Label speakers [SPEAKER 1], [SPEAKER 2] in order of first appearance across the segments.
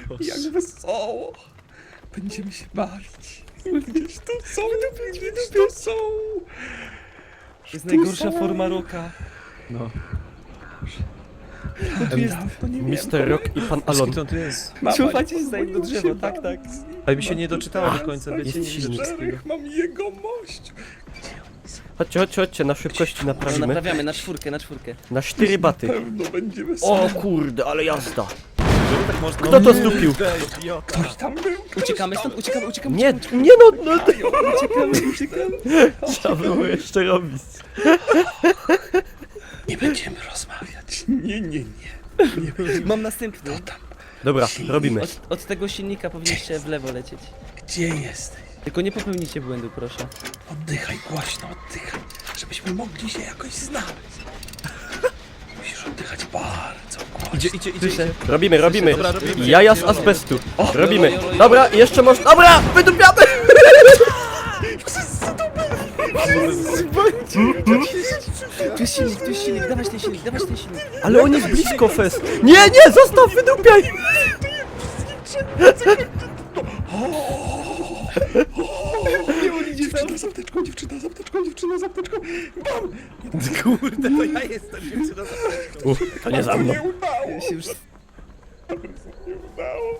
[SPEAKER 1] Jak wesoło. Będziemy się bawić. Gdzieś tu są, gdzieś tu są.
[SPEAKER 2] To jest najgorsza forma roka.
[SPEAKER 3] No.
[SPEAKER 1] To jest, to nie
[SPEAKER 3] Mr. Rock i pan Alon.
[SPEAKER 2] Co to jest?
[SPEAKER 1] Mama,
[SPEAKER 2] Słuchajcie, jest za jedno
[SPEAKER 1] boją się
[SPEAKER 2] drzewo, tak, tak.
[SPEAKER 1] bawić.
[SPEAKER 2] Ale mi się nie doczytało do końca, wiecie, nie widzę wszystkiego.
[SPEAKER 1] Czterech, mam jego mość.
[SPEAKER 3] Chodźcie, na szybkości
[SPEAKER 2] No
[SPEAKER 3] naprawimy.
[SPEAKER 2] naprawiamy, na czwórkę, na czwórkę.
[SPEAKER 3] Na 4 baty.
[SPEAKER 1] Pewno będzie wesoło.
[SPEAKER 3] O kurde, ale jazda.
[SPEAKER 2] Tak można.
[SPEAKER 3] Kto to zdupił?
[SPEAKER 1] Ktoś tam był.
[SPEAKER 2] Uciekamy stąd, uciekamy.
[SPEAKER 3] Nie no,
[SPEAKER 2] Uciekamy.
[SPEAKER 3] trzeba było jeszcze robić.
[SPEAKER 1] Nie będziemy rozmawiać. Nie.
[SPEAKER 2] Mam następny.
[SPEAKER 3] Dobra, robimy.
[SPEAKER 2] Od tego silnika powinniście w lewo lecieć.
[SPEAKER 1] Gdzie jesteś?
[SPEAKER 2] Tylko nie popełnijcie błędu, proszę.
[SPEAKER 1] Oddychaj, głośno oddychaj, żebyśmy mogli się jakoś znaleźć. Musisz oddychać bardzo głośno.
[SPEAKER 2] Idzie.
[SPEAKER 3] Słyszę. Robimy.
[SPEAKER 2] Dobra, robimy.
[SPEAKER 3] Jaja z azbestu. Robimy. Dobra, jeszcze można. Dobra, wydupiamy!
[SPEAKER 2] Tu jest silnik, dawać ten silnik.
[SPEAKER 3] Ale on jest blisko fest. Nie, zostaw, wydupiaj!
[SPEAKER 1] Dziewczyna z apteczką, dziewczyna z apteczką. Bam!
[SPEAKER 2] Kurde, to ja jestem dziewczyna.
[SPEAKER 3] To nie za mną.
[SPEAKER 1] Nie udało.
[SPEAKER 2] Się już...
[SPEAKER 1] Nie udało.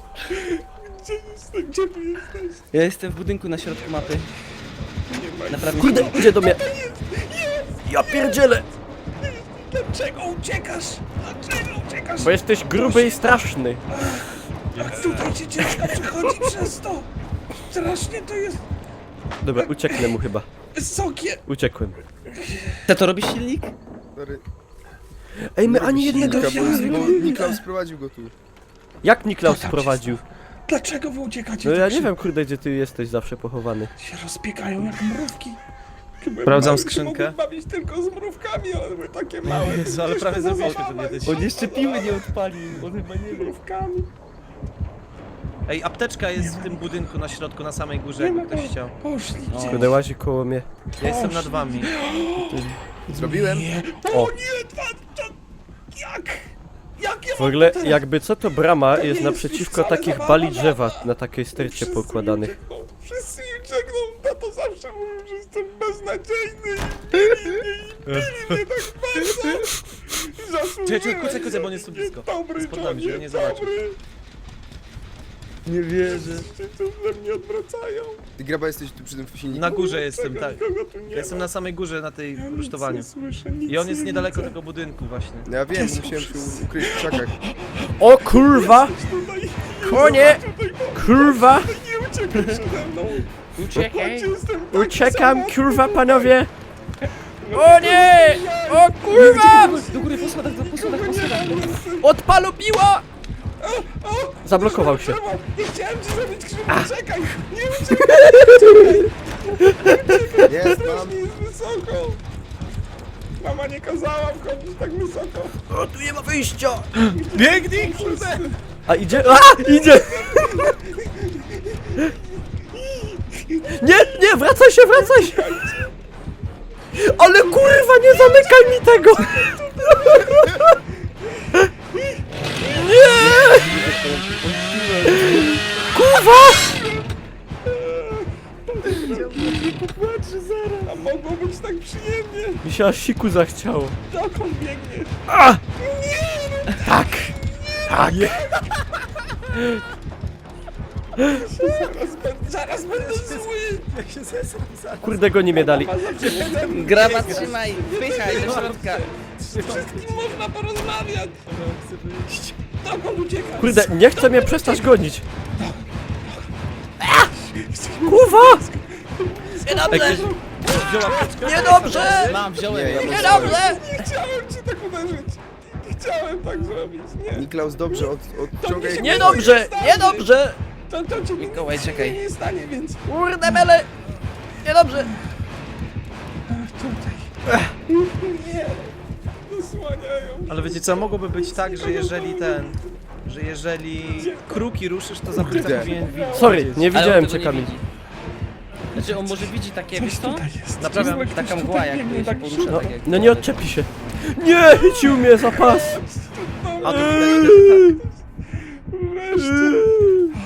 [SPEAKER 1] Gdzie tu jesteś?
[SPEAKER 2] Ja jestem w budynku na środku mapy.
[SPEAKER 1] Nie ma.
[SPEAKER 2] Naprawdę
[SPEAKER 3] Kurde, idzie do mnie. Ja pierdzielę.
[SPEAKER 1] Dlaczego uciekasz?
[SPEAKER 3] Bo jesteś gruby i straszny.
[SPEAKER 1] Jak tutaj ci ciężko przechodzi przez to. Strasznie to jest
[SPEAKER 3] Dobra, ucieknę mu chyba.
[SPEAKER 1] wysokie.
[SPEAKER 3] Uciekłem.
[SPEAKER 2] Ty to robisz silnik?
[SPEAKER 4] Stary,
[SPEAKER 3] Ej, my ani jednego...
[SPEAKER 4] bo Niklaus sprowadził go tu.
[SPEAKER 3] Jak Niklaus sprowadził?
[SPEAKER 1] Dlaczego wy uciekacie?
[SPEAKER 3] No
[SPEAKER 1] tak
[SPEAKER 3] ja nie
[SPEAKER 1] szybko?
[SPEAKER 3] wiem, kurde, gdzie ty jesteś zawsze pochowany.
[SPEAKER 1] Się rozbiegają jak mrówki.
[SPEAKER 2] Sprawdzam skrzynkę.
[SPEAKER 1] Mogę bawić tylko z mrówkami, ale były takie małe.
[SPEAKER 2] Jezu, ale prawie zrobiliśmy to kiedyś. On jeszcze piły nie odpalił, on chyba nie wie.
[SPEAKER 1] Mrówkami.
[SPEAKER 5] Ej, apteczka jest w tym budynku na środku, na samej górze,
[SPEAKER 1] Nie ma
[SPEAKER 5] jakby ktoś chciał.
[SPEAKER 1] Poszli gdzieś.
[SPEAKER 3] Kurde, łazi koło mnie.
[SPEAKER 5] Ja jestem nad wami.
[SPEAKER 4] Zrobiłem?
[SPEAKER 1] Nie.
[SPEAKER 3] O.
[SPEAKER 1] O nie, to... Jak? Jak ja
[SPEAKER 3] W ogóle, jakby co, to brama jest naprzeciwko takich bali drzewa na takiej stercie pokładanych.
[SPEAKER 1] Wszyscy mi czekną, tato zawsze mówił, że jestem beznadziejny i bili mnie tak bardzo. Zasłużyłem.
[SPEAKER 5] Kucaj, bo on jest tu blisko.
[SPEAKER 1] Dobry,
[SPEAKER 5] Spod nami, żeby nie
[SPEAKER 1] Johnny,
[SPEAKER 5] zobaczył.
[SPEAKER 1] dobry.
[SPEAKER 2] Nie wierzę.
[SPEAKER 1] Wszyscy tu ze mnie odwracają.
[SPEAKER 4] Ty Graba jesteś tu przy tym silniku?
[SPEAKER 5] Na górze jestem,
[SPEAKER 1] Czego
[SPEAKER 5] tak.
[SPEAKER 1] nikogo tu nie
[SPEAKER 5] Ja jestem
[SPEAKER 1] ma.
[SPEAKER 5] na samej górze, na tej
[SPEAKER 1] Ja nic
[SPEAKER 5] rusztowaniu.
[SPEAKER 1] nie słyszę, nic
[SPEAKER 5] I on jest
[SPEAKER 1] nie
[SPEAKER 5] niedaleko
[SPEAKER 1] widzę.
[SPEAKER 5] tego budynku właśnie.
[SPEAKER 4] No ja wiem, bo musiałem się ukryć w krzakach.
[SPEAKER 3] O kurwa!
[SPEAKER 1] Tutaj,
[SPEAKER 3] Konie! Kurwa!
[SPEAKER 1] nie uciekaj przede mną.
[SPEAKER 5] Uciekaj!
[SPEAKER 1] Jestem taki
[SPEAKER 3] Uciekam,
[SPEAKER 1] samotny.
[SPEAKER 3] kurwa, panowie! O nie! O kurwa!
[SPEAKER 2] Do góry, po schodach.
[SPEAKER 3] Odpalu piła! Zablokował się.
[SPEAKER 1] Nie chciałem ci zrobić krzywdy, czekaj! Nie uciekaj!
[SPEAKER 4] Jest, mam.
[SPEAKER 1] Strasznie jest wysoko! Mama nie kazała wchodzić tak wysoko.
[SPEAKER 3] O, tu nie ma wyjścia!
[SPEAKER 5] Biegnij, kurde!
[SPEAKER 3] A idzie? A! Idzie! Nie, wracaj się! Ale kurwa, nie zamykaj mi tego! Nie! Kurwa!
[SPEAKER 1] Popłaczy zaraz! A mogło być tak przyjemnie!
[SPEAKER 3] Mi się aż siku zachciało.
[SPEAKER 1] Dokąd biegniesz?
[SPEAKER 3] A! Tak!
[SPEAKER 1] Zaraz będę zły!
[SPEAKER 3] Kurde, go nie mnie dali.
[SPEAKER 2] Graba, trzymaj, wpychaj do środka.
[SPEAKER 1] Wszystkim można porozmawiać! Dokąd uciekasz?
[SPEAKER 3] Kurde, nie chce mnie przestać gonić. Kurwa!
[SPEAKER 2] Niedobrze!
[SPEAKER 5] Wziął apteczkę?
[SPEAKER 3] Niedobrze!
[SPEAKER 2] Wziąłem.
[SPEAKER 3] Niedobrze!
[SPEAKER 1] Nie chciałem cię tak uderzyć! Nie chciałem tak zrobić, nie!
[SPEAKER 4] Niklaus, dobrze, odciągaj.
[SPEAKER 3] Niedobrze!
[SPEAKER 1] To ci
[SPEAKER 2] Mikołaj,
[SPEAKER 1] nic
[SPEAKER 2] czekaj.
[SPEAKER 1] nie stanie, więc...
[SPEAKER 3] Kurde, mele! Niedobrze!
[SPEAKER 1] Tutaj. Nie! Zasłaniają.
[SPEAKER 5] Ale wiecie co, mogłoby być tak, że jeżeli kruki ruszysz, to zabójca
[SPEAKER 4] Kurde.
[SPEAKER 5] powinien widzieć.
[SPEAKER 3] Sorry, nie
[SPEAKER 2] Ale on
[SPEAKER 3] widziałem
[SPEAKER 2] tego
[SPEAKER 3] cię,
[SPEAKER 2] nie
[SPEAKER 3] Kamil.
[SPEAKER 2] widzi. Znaczy on może widzi takie, wiesz co?
[SPEAKER 1] jest.
[SPEAKER 5] Naprawiam.
[SPEAKER 1] Ktoś
[SPEAKER 2] Taka
[SPEAKER 1] tutaj
[SPEAKER 2] mgła
[SPEAKER 1] biegnie,
[SPEAKER 2] jakby się
[SPEAKER 1] tak
[SPEAKER 2] porusza,
[SPEAKER 3] No,
[SPEAKER 2] tak jak...
[SPEAKER 3] no nie odczepi się. Nie, chycił mnie za pas.
[SPEAKER 5] A to widać,
[SPEAKER 1] Wreszcie!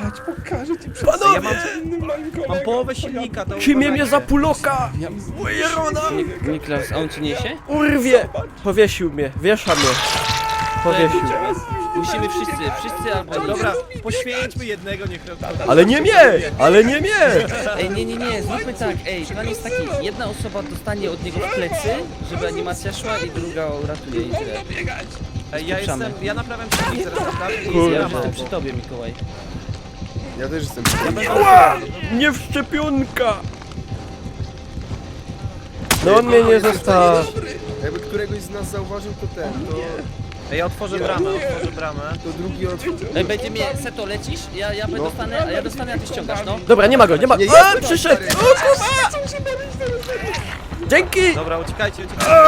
[SPEAKER 1] Chodź, pokażę ci przed
[SPEAKER 3] Panowie!
[SPEAKER 5] Ja mam-
[SPEAKER 1] innym moim kolegą.
[SPEAKER 5] Mam połowę silnika, to
[SPEAKER 3] Kimie mnie
[SPEAKER 5] uważajcie.
[SPEAKER 3] za puloka!
[SPEAKER 2] Niklaus, a on ci niesie?
[SPEAKER 3] Urwie! Powiesił mnie, wiesza mnie. Powiesił.
[SPEAKER 2] Musimy wszyscy albo...
[SPEAKER 5] Dobra, poświęćmy jednego, niech robi.
[SPEAKER 3] Ale nie mnie! Ale nie mnie!
[SPEAKER 2] Ej, nie, zróbmy tak, plan jest taki, jedna osoba dostanie od niego w plecy, żeby animacja szła i druga uratuje i tyle.
[SPEAKER 5] Ej, ja naprawiam silnik, zaraz naprawię i
[SPEAKER 3] Kurde.
[SPEAKER 2] Ja
[SPEAKER 5] zbieram
[SPEAKER 2] jestem
[SPEAKER 5] auto.
[SPEAKER 2] przy tobie, Mikołaj.
[SPEAKER 4] Ja też jestem.
[SPEAKER 3] Ła! Nie w szczepionka! No on mnie nie zostaw.
[SPEAKER 4] Jakby któregoś z nas zauważył, to ten,
[SPEAKER 5] Ej, ja otworzę bramę.
[SPEAKER 4] to drugi od...
[SPEAKER 2] Ej, będzie mnie, Seto, lecisz? Ja dostanę, a ja dostanę, a ty ściągasz, no.
[SPEAKER 3] Dobra, nie ma go, nie ma go.
[SPEAKER 4] Nie,
[SPEAKER 3] A,
[SPEAKER 4] jest
[SPEAKER 3] przyszedł!
[SPEAKER 4] stary.
[SPEAKER 3] O kurwa! Dzięki!
[SPEAKER 5] Dobra, uciekajcie.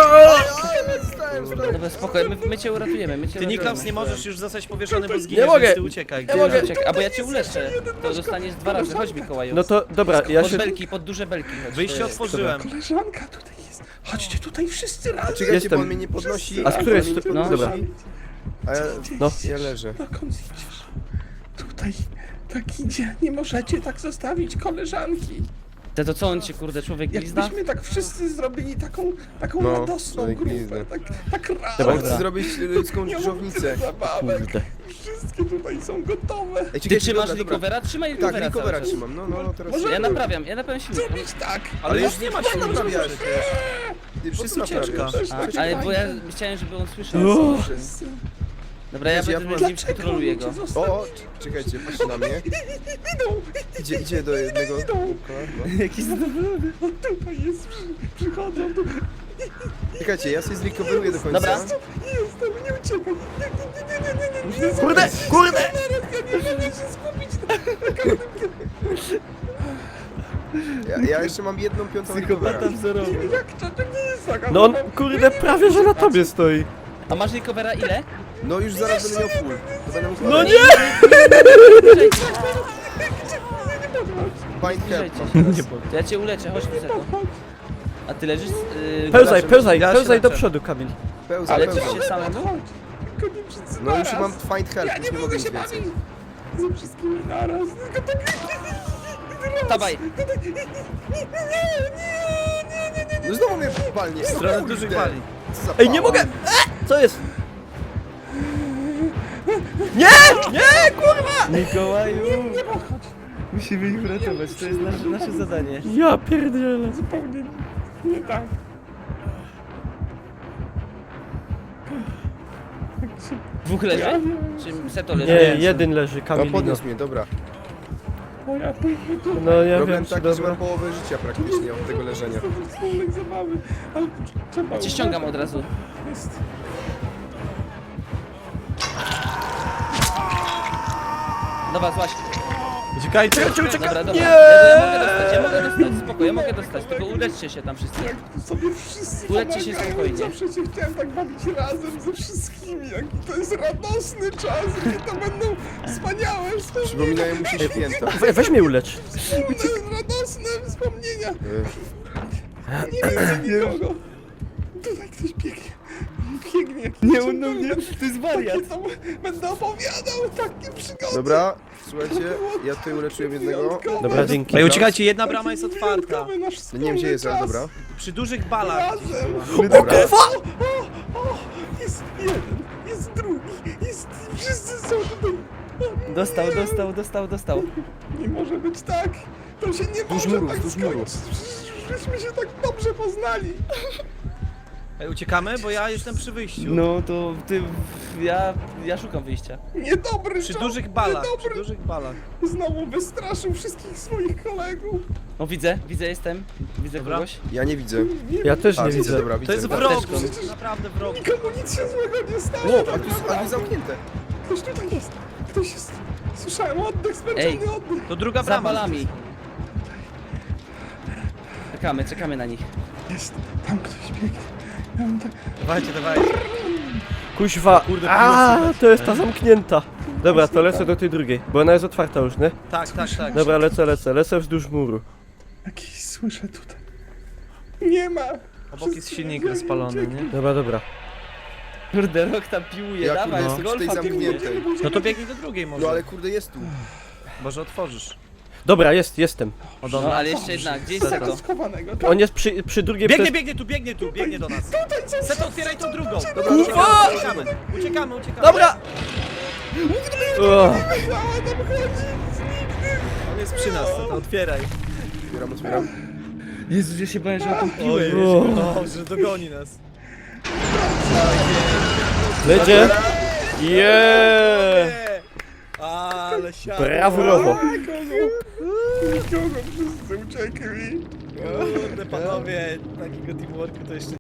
[SPEAKER 2] Dobra, spokojnie, my cię uratujemy, my cię
[SPEAKER 5] Ty,
[SPEAKER 2] uratujemy.
[SPEAKER 5] Niklaus, nie możesz już zostać powieszony, bo zginiesz,
[SPEAKER 3] mogę.
[SPEAKER 5] więc ty uciekaj.
[SPEAKER 3] Nie mogę.
[SPEAKER 2] Czekaj, albo ja cię uleczę, to dostaniesz 2 razy, chodź Mikołaju.
[SPEAKER 3] No to dobra, ja
[SPEAKER 2] Pod
[SPEAKER 3] się...
[SPEAKER 2] belki, pod duże belki chodź.
[SPEAKER 5] Wyjście otworzyłem.
[SPEAKER 1] Koleżanka tutaj jest. Chodźcie tutaj wszyscy razem.
[SPEAKER 4] Czekajcie,
[SPEAKER 3] Jestem.
[SPEAKER 4] bo on mnie nie podnosi.
[SPEAKER 3] A z której
[SPEAKER 4] on mnie nie
[SPEAKER 3] strony?
[SPEAKER 4] podnosi,
[SPEAKER 3] Dobra.
[SPEAKER 4] A ja,
[SPEAKER 3] No.
[SPEAKER 4] ja leżę.
[SPEAKER 1] Dokąd idziesz? Tutaj tak idzie. Nie możecie tak zostawić koleżanki.
[SPEAKER 2] To co on cię, kurde, człowiek glizda?
[SPEAKER 1] Jakbyśmy tak wszyscy zrobili taką
[SPEAKER 4] No,
[SPEAKER 1] radosną
[SPEAKER 4] człowiek
[SPEAKER 1] grupę.
[SPEAKER 4] glizda.
[SPEAKER 1] Tak razem.
[SPEAKER 3] Dobra.
[SPEAKER 4] On chce zrobić ludzką
[SPEAKER 1] Nie mam
[SPEAKER 4] krzyżownicę.
[SPEAKER 1] tyle zabawek.
[SPEAKER 3] Kurde.
[SPEAKER 1] Wszystkie tutaj są gotowe.
[SPEAKER 4] Ej,
[SPEAKER 2] Ty
[SPEAKER 4] czekajcie,
[SPEAKER 2] trzymasz
[SPEAKER 4] dobra, dobra.
[SPEAKER 2] recovera? Trzymaj
[SPEAKER 4] Tak,
[SPEAKER 2] recovera
[SPEAKER 4] recovera
[SPEAKER 2] cały czas.
[SPEAKER 4] trzymam. No, teraz.
[SPEAKER 1] Może-
[SPEAKER 2] Ja naprawiam silnik.
[SPEAKER 1] Zrobić tak.
[SPEAKER 5] Ale już nie ma
[SPEAKER 4] Wszyscy
[SPEAKER 5] silnika
[SPEAKER 4] naprawiasz.
[SPEAKER 5] przecież.
[SPEAKER 4] Ty wszyscy
[SPEAKER 5] ucieczka.
[SPEAKER 4] naprawiasz.
[SPEAKER 2] Ale bo ja chciałem, żeby on słyszał.
[SPEAKER 1] Wszyscy.
[SPEAKER 2] Dobra, ja
[SPEAKER 4] Wiecie,
[SPEAKER 2] będę
[SPEAKER 4] ja
[SPEAKER 2] z nim kontroluję go.
[SPEAKER 4] O, czekajcie, patrzcie na mnie. Idzie do jednego.
[SPEAKER 2] Jaki zadowolony.
[SPEAKER 1] O, tutaj jest. Przychodzą tu.
[SPEAKER 4] Czekajcie, ja sobie zrecoveruję do końca.
[SPEAKER 2] Dobra.
[SPEAKER 1] Jestem, nie uciekaj. Nie.
[SPEAKER 3] Kurde, kurde!
[SPEAKER 1] Ja nie mogę się skupić.
[SPEAKER 4] Ja jeszcze mam 1/5 recovera.
[SPEAKER 1] Jak to nie jest taka.
[SPEAKER 3] No on, kurde, prawie że na tobie stoi.
[SPEAKER 2] A masz recovera ile?
[SPEAKER 4] No już zaraz będę miał full. To będę mógł
[SPEAKER 3] No nie!
[SPEAKER 2] Bliżej cię,
[SPEAKER 4] Find
[SPEAKER 2] bliżej
[SPEAKER 4] help.
[SPEAKER 2] cię. To ja cię uleczę, chodź tu Seto. A ty leżysz?
[SPEAKER 3] Pełzaj, pełzaj,
[SPEAKER 5] Ja się
[SPEAKER 3] pełzaj do
[SPEAKER 5] leczę.
[SPEAKER 3] przodu, Kamil.
[SPEAKER 4] Pełza,
[SPEAKER 2] Ale
[SPEAKER 4] pełza.
[SPEAKER 2] leczysz się samemu?
[SPEAKER 1] Tylko nie wszyscy
[SPEAKER 4] No już
[SPEAKER 1] naraz.
[SPEAKER 4] mam find help,
[SPEAKER 1] Ja
[SPEAKER 4] już
[SPEAKER 1] nie
[SPEAKER 4] nie mogę
[SPEAKER 1] mogę
[SPEAKER 4] nic
[SPEAKER 1] się
[SPEAKER 4] więcej.
[SPEAKER 1] bawić. Ze wszystkimi naraz. Tylko tak.
[SPEAKER 2] Dawaj.
[SPEAKER 4] No znowu mnie palnie.
[SPEAKER 5] W stronę dużych bali.
[SPEAKER 4] Co za
[SPEAKER 3] Ej, nie
[SPEAKER 4] pała.
[SPEAKER 3] mogę! Co jest? Nie! Nie, kurwa!
[SPEAKER 2] Mikołaju! Musimy ich uratować, to jest nasze zadanie.
[SPEAKER 3] Ja pierdzielę.
[SPEAKER 1] Zupełnie nie tak.
[SPEAKER 2] Dwóch leży? Czy Seto leży?
[SPEAKER 3] Nie, jeden leży,
[SPEAKER 4] No
[SPEAKER 3] Kamil.
[SPEAKER 4] podniósł mnie, dobra.
[SPEAKER 1] O ja pójdę tu.
[SPEAKER 3] No ja
[SPEAKER 4] Problem
[SPEAKER 3] wiem, czy
[SPEAKER 4] taki, że
[SPEAKER 3] dobra.
[SPEAKER 4] mam połowę życia praktycznie od tego leżenia.
[SPEAKER 1] To wspólnej zabawy. Ale trzeba
[SPEAKER 2] Cię ściągam od razu.
[SPEAKER 1] Jest.
[SPEAKER 2] Dobra, złaś.
[SPEAKER 5] Uciekajcie.
[SPEAKER 2] Dobra, dobra.
[SPEAKER 3] Nie!
[SPEAKER 2] Ja mogę dostać, spoko, ja mogę dostać, tylko uleczcie się tam wszyscy.
[SPEAKER 1] Jak tu sobie wszyscy
[SPEAKER 2] Uleczcie się
[SPEAKER 1] pomagają.
[SPEAKER 2] spokojnie.
[SPEAKER 1] Zawsze się chciałem tak bawić razem ze wszystkimi. Jaki to jest radosny czas. Jakie to będą wspaniałe wspomnienia.
[SPEAKER 4] Przypominają mu się święta.
[SPEAKER 3] Weź mnie ulecz.
[SPEAKER 1] Wspólne, radosne wspomnienia. Nie widzę nikogo. Tutaj ktoś biegnie. Biegnie jakiś
[SPEAKER 2] Nie, on do mnie, to jest wariat.
[SPEAKER 1] Takie to będę opowiadał takie przygody.
[SPEAKER 4] Dobra, słuchajcie, ja tutaj uleczyłem jednego.
[SPEAKER 3] Dobra, dzięki.
[SPEAKER 5] Ej, uciekajcie, jedna brama jest otwarta.
[SPEAKER 1] Wyjątkowy nasz
[SPEAKER 4] No nie wiem gdzie jest, ale
[SPEAKER 1] wspólny
[SPEAKER 4] dobra.
[SPEAKER 5] Przy dużych balach.
[SPEAKER 1] Razem.
[SPEAKER 4] Dobra.
[SPEAKER 1] O, jest jeden, jest drugi, jest... Wszyscy są tutaj.
[SPEAKER 2] Dostał.
[SPEAKER 1] Nie może być tak. To się nie
[SPEAKER 4] Wzdłuż
[SPEAKER 1] może
[SPEAKER 4] muru,
[SPEAKER 1] tak
[SPEAKER 4] wzdłuż muru.
[SPEAKER 1] skończyć. Żeśmy się tak dobrze poznali.
[SPEAKER 5] Ej, uciekamy, bo ja jestem przy wyjściu.
[SPEAKER 2] No to ty, ja szukam wyjścia.
[SPEAKER 1] Niedobry
[SPEAKER 5] Przy
[SPEAKER 1] czas,
[SPEAKER 5] dużych balach, przy
[SPEAKER 1] niedobry.
[SPEAKER 5] dużych balach.
[SPEAKER 1] Znowu wystraszył wszystkich swoich kolegów.
[SPEAKER 2] O, widzę, jestem. Widzę
[SPEAKER 5] Dobra.
[SPEAKER 2] kogoś.
[SPEAKER 4] Ja nie widzę.
[SPEAKER 3] Ja też
[SPEAKER 4] A,
[SPEAKER 3] nie
[SPEAKER 4] widzę,
[SPEAKER 3] widzę.
[SPEAKER 4] dobra,
[SPEAKER 5] To
[SPEAKER 4] widzę.
[SPEAKER 5] jest
[SPEAKER 4] Dobra.
[SPEAKER 5] wrog,
[SPEAKER 2] Apteczką.
[SPEAKER 5] naprawdę wrog.
[SPEAKER 1] Nikomu nic się złego nie stało.
[SPEAKER 4] O, a
[SPEAKER 1] tak
[SPEAKER 4] tu jest
[SPEAKER 1] naprawdę.
[SPEAKER 4] zamknięte.
[SPEAKER 1] Ktoś tutaj jest. Ktoś jest. Słyszałem oddech, zmęczony oddech.
[SPEAKER 5] To druga
[SPEAKER 2] Za
[SPEAKER 5] brama.
[SPEAKER 2] balami. Czekamy na nich.
[SPEAKER 1] Jest. Tam ktoś biegnie. Ja mam tak...
[SPEAKER 5] Dawajcie.
[SPEAKER 3] Kuźwa. A, to jest ta zamknięta. Dobra, to lecę do tej drugiej, bo ona jest otwarta już, nie?
[SPEAKER 5] Tak.
[SPEAKER 3] Dobra, lecę wzdłuż muru.
[SPEAKER 1] Jakiś słyszę tutaj. Nie ma.
[SPEAKER 5] Obok jest silnik rozpalony, nie?
[SPEAKER 3] Dobra.
[SPEAKER 2] Kurde, rok tam piłuje,
[SPEAKER 4] Ja
[SPEAKER 2] dawaj,
[SPEAKER 4] kurde
[SPEAKER 2] z
[SPEAKER 4] jestem przy tej
[SPEAKER 2] golfa piłuje.
[SPEAKER 4] zamkniętej.
[SPEAKER 5] No to biegnij do drugiej może.
[SPEAKER 4] No ale kurde jest tu.
[SPEAKER 5] Może otworzysz.
[SPEAKER 3] Dobra, jestem.
[SPEAKER 5] O,
[SPEAKER 2] No
[SPEAKER 5] dobra.
[SPEAKER 2] ale jeszcze jedna, gdzie jest Seto?
[SPEAKER 1] Schowanego.
[SPEAKER 3] On jest przy drugiej...
[SPEAKER 5] Biegnie tu, biegnie do nas. Seto, otwieraj tą drugą.
[SPEAKER 3] Kurwa!
[SPEAKER 5] Uciekamy.
[SPEAKER 3] Dobra! O,
[SPEAKER 5] On jest przy nas, Seto, otwieraj.
[SPEAKER 4] Otwieram.
[SPEAKER 2] Jezus, ja się bałem, że o tą
[SPEAKER 5] Oj,
[SPEAKER 3] O.
[SPEAKER 5] że dogoni nas.
[SPEAKER 3] Lecie? Jeee!
[SPEAKER 5] Ale siadł.
[SPEAKER 3] Brawurowo.
[SPEAKER 1] Nikogo, wszyscy uciekli.
[SPEAKER 5] Kurde, panowie, takiego teamworku to jeszcze